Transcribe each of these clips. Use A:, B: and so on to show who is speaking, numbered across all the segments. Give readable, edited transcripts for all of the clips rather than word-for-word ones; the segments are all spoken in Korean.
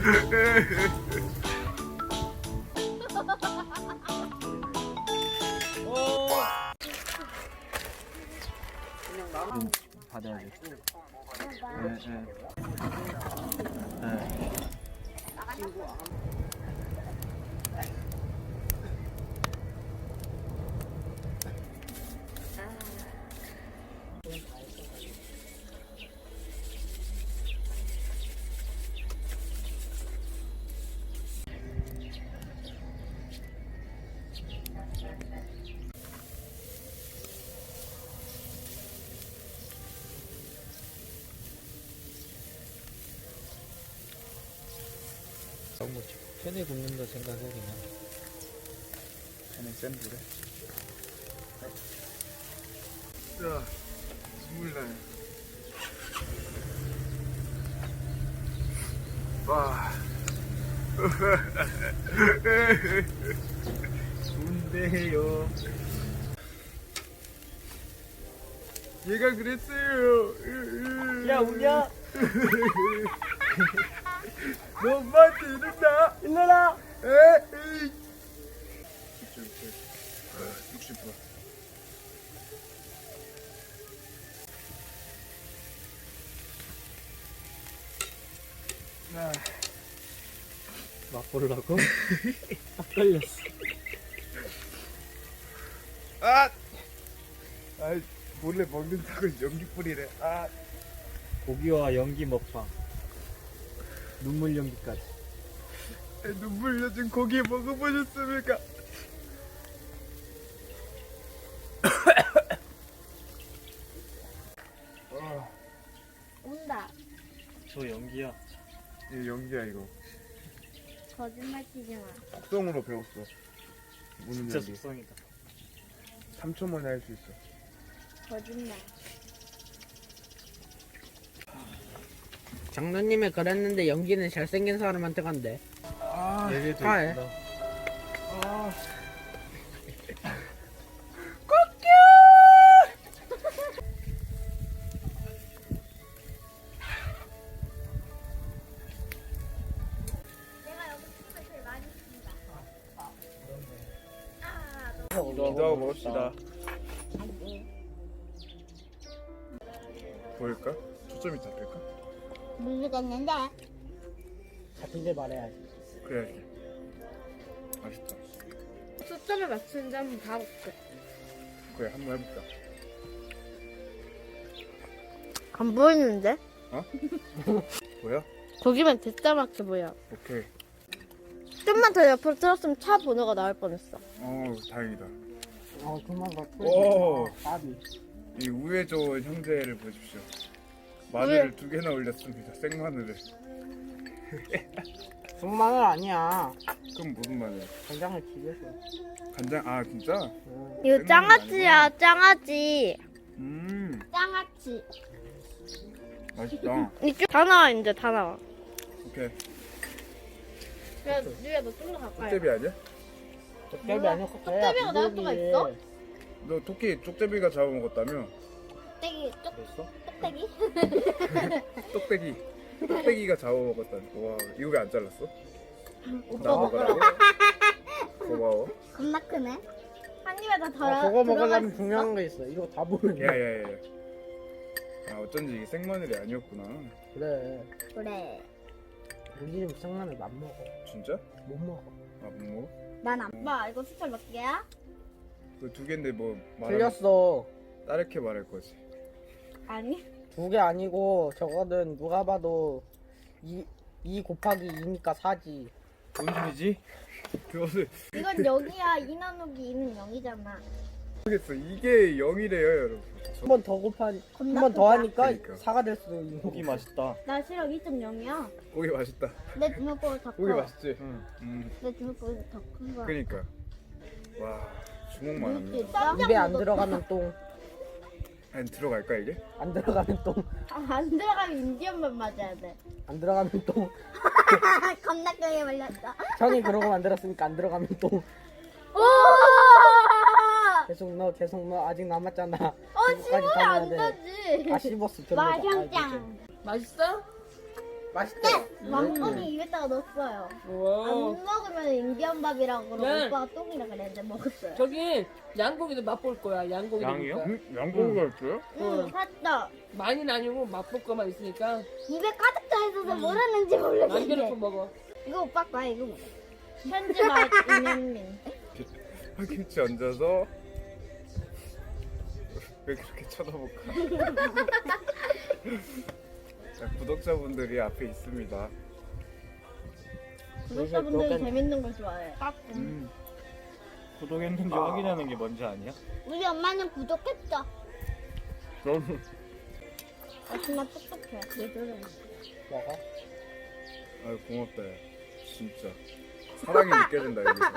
A: 받아야지. 네.
B: 너무 캔에 굽는다 생각해 그냥.
A: 캔에 센 불에. 자, 눈물 나요. 와. 좋은데요. 얘가 그랬어요.
B: 야 우냐?
A: 너 엄마한테 이른다.
B: 일러라.
A: 에이. 60%.
B: 맛보려고? 딱 걸렸어.
A: 아! 아이, 몰래 먹는다고 연기 뿌리래. 아!
B: 고기와 연기 먹방. 눈물 연기까지.
A: 눈물 젖은 고기 먹어보셨습니까?
C: 온다.
B: 저 연기야.
A: 이거 연기야 이거.
C: 거짓말 치지 마.
A: 속성으로 배웠어. 우는
B: 진짜
A: 연기.
B: 속성이다.
A: 3초 만에 할 수 있어.
C: 거짓말.
D: 장로님이 그랬는데 연기는 잘생긴 사람한테 간대.
A: 아,
B: 얘기도
D: 아, 예.
B: 있구나.
A: 아.
C: 내가 여기 춤을 제일 많이 춘다.
A: 기도하고 먹읍시다. 보일까? 초점이 잡힐까?
C: 모르겠는데.
D: 잡힌 데 말해야지.
A: 그래야지. 맛있다.
C: 초점을 맞추는지 한번 봐볼게.
A: 그래, 한번 해볼까?
C: 안 보이는데?
A: 보여?
C: 거기만 대짜맣게 보여.
A: 오케이.
C: 좀만 더 옆으로 틀었으면 차 번호가 나올 뻔했어.
A: 다행이다.
D: 그만 봐.
A: 오!
D: 밥이.
A: 이 우회 좋은 형제를 보십시오. 마늘을 2개나 올렸습니다. 생마늘을.
D: 손마늘 아니야.
A: 그럼 무슨 마늘?
D: 간장을 집에서.
A: 간장? 아 진짜?
C: 이거
A: 생마늘
C: 짱아찌야, 짱아찌. 짱아찌.
A: 맛있다.
C: 이쪽 다 나와, 이제 다 나와.
A: 오케이.
C: 야, 누야, 너 좀 더 가까이.
A: 쪽제비 아니야?
D: 쪽갈비 아니고
C: 쪽갈비가 나올 수가 있어?
A: 너 토끼 쪽제비가 잡아먹었다며?
C: 떼기,
A: 그랬어?
C: 떼기?
A: 똑배기. 똑배기가 잡아먹었다니. 와, 이거 왜 안 잘랐어?
C: 오빠
A: 나
C: 먹으라고?
A: 먹으라고? 고마워.
C: 겁나 크네. 한 입에 다 덜어.
D: 그거 먹으려면
C: 들어갈 수
D: 중요한
C: 있어?
D: 거 있어. 이거 다 보이네.
A: 야야야. 아 어쩐지 이게 생마늘이 아니었구나.
D: 그래.
C: 그래.
D: 우리 집 생마늘 안 먹어.
A: 진짜?
D: 못 먹어.
A: 아 못 먹어?
C: 난 아빠 이거 숫자 몇 개야?
A: 그 2개인데 뭐
D: 틀렸어.
A: 다르게 말할 거지.
C: 아니.
D: 2개 아니고 저거는 누가 봐도 2 곱하기 2니까 4지.
A: 뭔 소리지? 그것을
C: 이건 0이야. 2 나누기 2는 0이잖아.
A: 모르겠어. 이게 0이래요 여러분.
D: 한 번 더 곱하니
C: 겁나
D: 한 번 더
C: 크다.
D: 하니까
A: 그러니까.
D: 4가 될 수도 있는
B: 고기
D: 거.
B: 맛있다.
C: 나 시력 2.0이야.
A: 고기 맛있다.
C: 내 주먹보다 더
A: 고기
C: 커.
A: 맛있지?
B: 응.
C: 내 주먹보다 더 큰 거야.
A: 그니까. 와 주먹만 합니다.
C: 깜짝
D: 입에 안
C: 놀랐다.
D: 들어가면 똥.
A: 안 들어갈까 이게?
D: 안 들어가면 똥.
C: 안 들어가면 인디언만 맞아야 돼.
D: 안 들어가면 똥.
C: 겁나 크게 말렸다.
D: 형이 그러고 만들었으니까 안 들어가면 똥.
C: 오!
D: 계속 넣어. 아직 남았잖아.
C: 씹으면 안 되지.
D: 아 씹었어. 별로다.
C: 마형짱. 맛있어?
D: 맛있대.
C: 왕건이 입에다가 넣었어요.
E: 우와.
C: 안 먹으면 인디언밥이라고 그러고
E: 네.
C: 오빠가 똥이라 그랬는데 먹었어요.
E: 저기 양고기도 맛볼 거야. 양고기도
A: 양이요?
E: 먹을 거야.
A: 양고기가 있어요?
C: 응, 살짝
E: 많이는 아니고 맛볼 거만 있으니까
C: 입에 가득 차 있어서 뭘 했는지 모르겠는데.
E: 남겨놓고 먹어.
C: 이거 오빠 거야, 이거 먹어. 현지 맛 인현민.
A: 파김치 얹어서 왜 그렇게 쳐다볼까? 자, 구독자분들이 앞에 있습니다.
C: 구독자분들이 재밌는 걸 좋아해.
B: 구독했는지 확인하는 게 뭔지 아니야?
C: 우리 엄마는 구독했죠.
A: 저는
C: 엄마 똑똑해.
D: 먹어.
A: 아유 고맙다 야. 진짜 사랑이 느껴진다 여기서.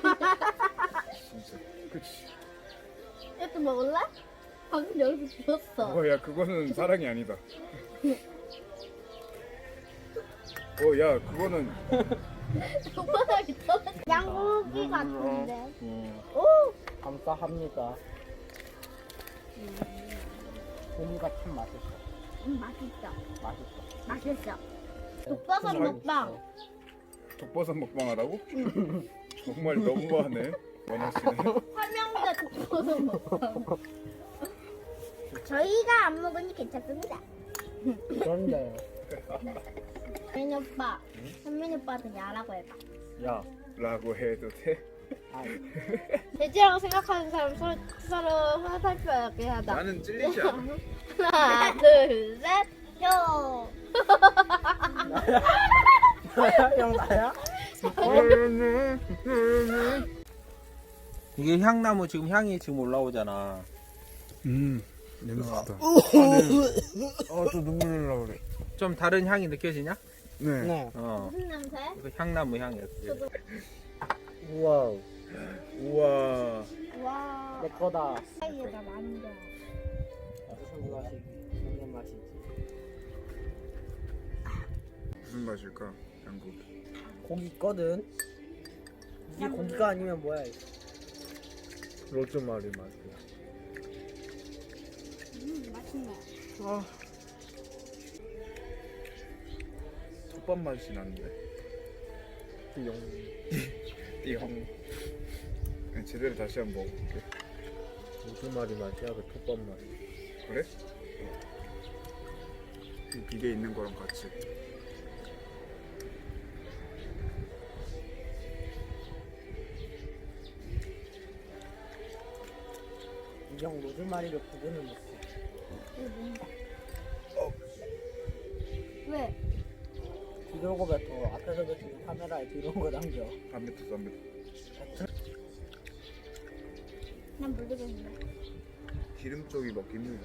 A: 진짜 그치.
C: 이것도 먹을래? 방금 여기서 주웠어.
A: 야 그거는 사랑이 아니다. 야 그거는
C: 오빠가 떨어져. 양고기 같은데.
A: 어.
D: 감사합니다. 고기가 참 맛있어.
C: 맛있어.
D: 맛있어.
C: 맛있어. 독버섯 먹방.
A: 독버섯 먹방하라고? 정말 너무하네 원하시네.
C: 삼형제 독버섯 먹방. 저희가 안 먹으니 괜찮습니다.
D: 그런데
C: 현민 오빠. 현민 오빠한테 야라고 해봐.
B: 야,
A: 라고 해도 돼?
C: 돼지라고 생각하는 사람 서로 화살표하게 하자.
A: 나는 찔리지 않아.
C: 하나, 둘, 셋, 효.
D: 형 나야?
B: 이게 향나무 지금 향이 지금 올라오잖아.
A: 냄새 좋다. 또 눈물 날라 그래.
B: 좀 다른 향이 느껴지냐?
A: 네.
D: 네.
C: 무슨 냄새?
B: 이거 향나무 향이야.
D: 우와.
A: 우와.
C: 와.
D: 내 거다.
C: 사이에다 만져.
D: 무슨 맛이지? 무슨 맛이지?
A: 무슨 맛일까? 양고기.
D: 고기 있거든. 이게 고기가 아니면 뭐야? 이거?
A: 로즈마리 맛이야.
C: 맛있네.
A: 톱밥 맛이 나는데. 띠용. 띠용. 그냥 제대로 다시 한번 먹어볼게.
B: 무슨 말이 맛이야? 그 톱밥 맛.
A: 그래? 이 비계 있는 거랑 같이.
D: 이형 로즈마리를 구분을 못해.
C: 이거 뭔가. 왜?
D: 뒤로 고 뱉어. 앞에서 뱉으면 카메라에 뒤로 거 남겨.
A: 안 뱉었어 안 뱉었어.
C: 난 모르겠는데.
A: 기름 쪽이 먹기 힘들다.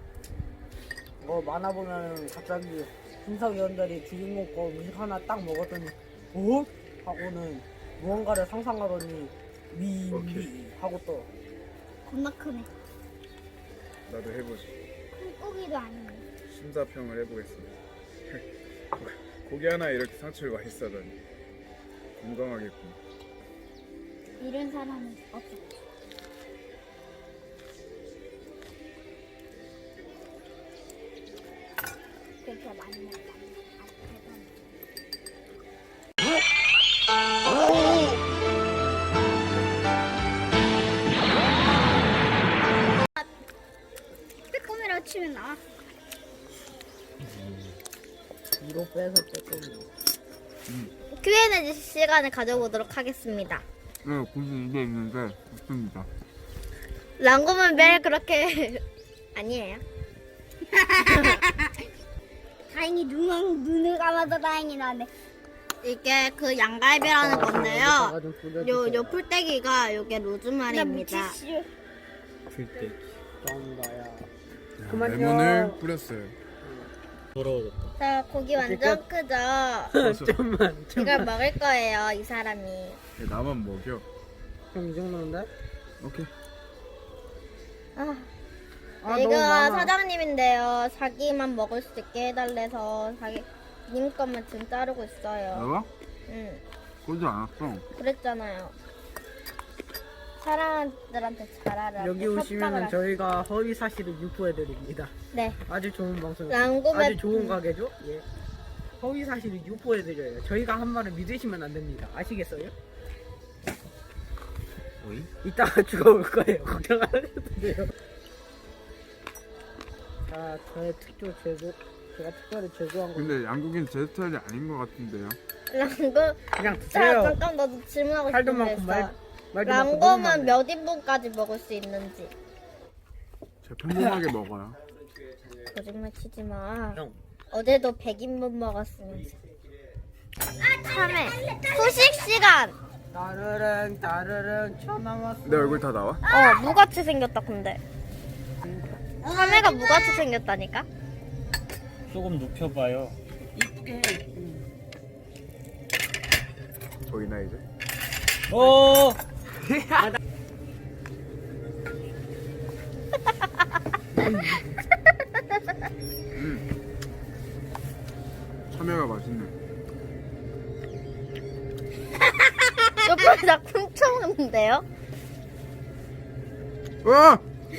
D: 만화 보면 갑자기 심사위원들이 주인공 거 음식 하나 딱 먹었더니 어? 하고는 무언가를 상상하더니 미 하고 또
C: 겁나 크네.
A: 나도 해보지.
C: 큰 고기도 아니네.
A: 심사평을 해보겠습니다. 고기 하나 이렇게 상처를 많이 싸다니. 건강하겠군.
C: 이런 사람은 없어. 그렇게 많이 먹다. 빼꼼이라고 치면 나와.
D: 뒤로 빼서 조금
C: Q&A 시간을 가져보도록 하겠습니다.
A: 네, 굳이 이게 있는데 좋습니다.
C: 랑고는 매일 그렇게 아니에요. 다행히 눈을 감아도 다행히 나네. 이게 그 양갈비라는 건데요. 요 풀떼기가 요게 로즈마리입니다.
B: 풀떼기.
D: 감사합니다.
A: 네, 레몬을 뿌렸어요.
B: 더러워졌다.
C: 자, 고기 완전 크죠?
B: 좀만.
C: 이걸 먹을 거예요, 이 사람이.
A: 나만 먹여.
D: 형 이 정도인데?
A: 오케이.
C: 아,
D: 너무
C: 이거
D: 많아.
C: 사장님인데요. 자기만 먹을 수 있게 해달래서 님 것만 지금 자르고 있어요.
A: 나와?
C: 응,
A: 그러지 않았어.
C: 그랬잖아요. 사람들한테 잘하라.
D: 여기 오시면은 저희가 허위 사실을 유포해 드립니다.
C: 네.
D: 아주 좋은 방송.
C: 랑고메
D: 아주 좋은 가게죠? 예. 허위 사실을 유포해드려요. 저희가 한 말을 믿으시면 안 됩니다. 아시겠어요?
B: 어이?
D: 이따가 죽어올 거예요. 걱정 안 하셔도 돼요. 자, 저의 특조 제조, 제가 특별히 제조한 거
A: 근데 양고기는 제 스타일이 아닌 것 같은데요.
C: 랑고.
D: 그냥
C: 자,
D: 드세요.
C: 잠깐 나도 질문하고
D: 살도
C: 싶은 게
D: 많고
C: 있어.
D: 말도 많고
C: 랑고는
D: 너무
C: 몇 인분까지 먹을 수 있는지.
A: 제가 평범하게 먹어요.
C: 거짓말 치지 마.
D: 형.
C: 어제도 100인분 먹었으면서. 3회 후식 시간.
D: 따르릉 쳐 남았어.
A: 내 얼굴 다 나와?
C: 무같이 생겼다 근데. 3회가 무같이 생겼다니까?
B: 조금 눕혀봐요.
D: 이쁘게 해.
A: 보이나 이제?
B: 오!
A: 참외가 맛있네.
C: 옆에 나 훔쳐먹는데요?
A: 와!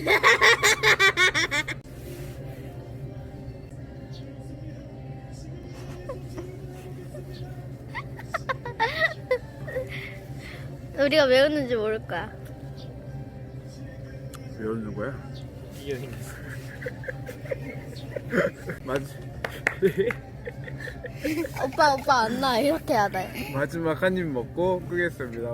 C: 우리가 왜 웃는지 모를 거야.
A: 왜 웃는 거야?
B: 이여행.
A: 맞지?
C: 오빠 안 나. 이렇게 해야 돼.
A: 마지막 한 입 먹고 끄겠습니다.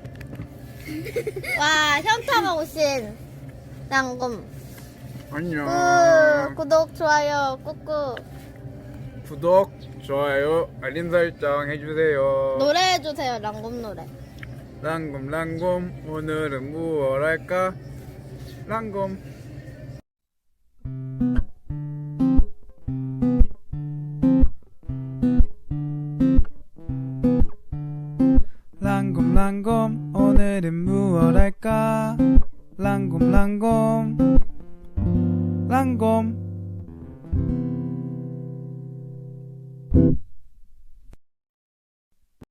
C: 와, 현타가 오신 랑곰.
A: 안녕.
C: 구독, 좋아요, 꾹꾹.
A: 구독, 좋아요, 알림 설정 해주세요.
C: 노래 해주세요, 랑곰 노래.
A: 랑곰 오늘은 무얼 할까? 랑곰 오늘은 무얼 할까? 랑곰